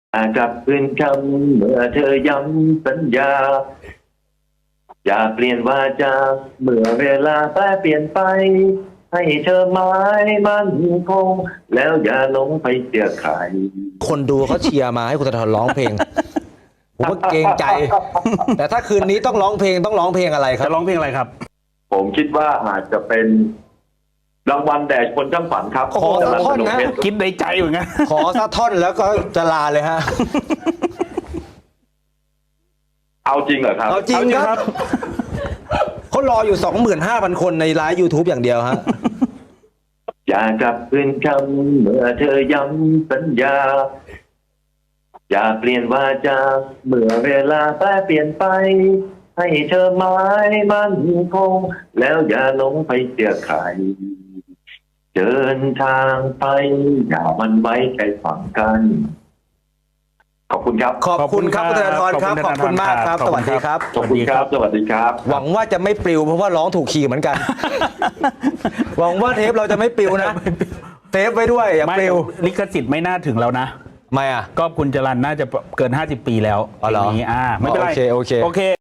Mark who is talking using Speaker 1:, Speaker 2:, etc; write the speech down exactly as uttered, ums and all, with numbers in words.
Speaker 1: กลับคืนคำเมื่อเธอย้ำสัญญาอย่าเปลี่ยนวาจาเมื่อเวลาแปรเปลี่ยนไปให้เธอหมายมั่นคงแล้วอย่าหลงไปเสียใคร
Speaker 2: คนดูเขาเชียร์มาให้คุณธนาธรร้องเพลง ผมก็เกรงใจ แต่ถ้าคืนนี้ต้องร้องเพลงต้องร้องเพลงอะไรครับ
Speaker 3: จะร้องเพลงอะไรครับ
Speaker 1: ผมคิดว่าอาจจะเป็นรางวัลแด่คนช่างฝันครับ
Speaker 2: ขอสักท่อนนะ
Speaker 1: เพชร
Speaker 3: คิดในใจเหมือนกัน
Speaker 2: ขอสักท่อนแล้วก็จะลาเลยฮะ
Speaker 1: เอาจริงเหรอครับ
Speaker 2: เอาจริงครับเขารออยู่ สองหมื่นห้าพัน คนในไลฟ์ YouTube อย่างเดียวฮะ
Speaker 1: อย่ากลับคืนคำเมื่อเธอย้ำสัญญาอย่าเปลี่ยนวาจาเมื่อเวลาแปรเปลี่ยนไปให้เธอหมายมั่นคงแล้วอย่าหลงไปเสียใครเดินทางไปอย่ามันไว้ใจฝังกัน ขอบคุณครับ
Speaker 2: ขอบคุณครับคุณธนาธรครับ ขอบคุณมากครับ สวัสดีครับ
Speaker 1: ขอบคุณครับ สวัสดีครับ
Speaker 2: หวังว่าจะไม่ปลิวเพราะว่าร้องถูกคีย์เหมือนกัน หวังว่าเทปเราจะไม่ปลิวนะเทปไว้ด้วยอย่า
Speaker 3: ไม่
Speaker 2: ปลิว
Speaker 3: ลิขสิทธิ์ไม่น่าถึงแล้วนะ
Speaker 2: ไม่อ่ะ
Speaker 3: ก็คุณจรัญน่าจะเกินห้าสิบปีแล้ว
Speaker 2: อ๋อเหรอ
Speaker 3: เพลงนี้อ่าไม่เป็นไร
Speaker 2: โอเคโอเค
Speaker 3: โอเค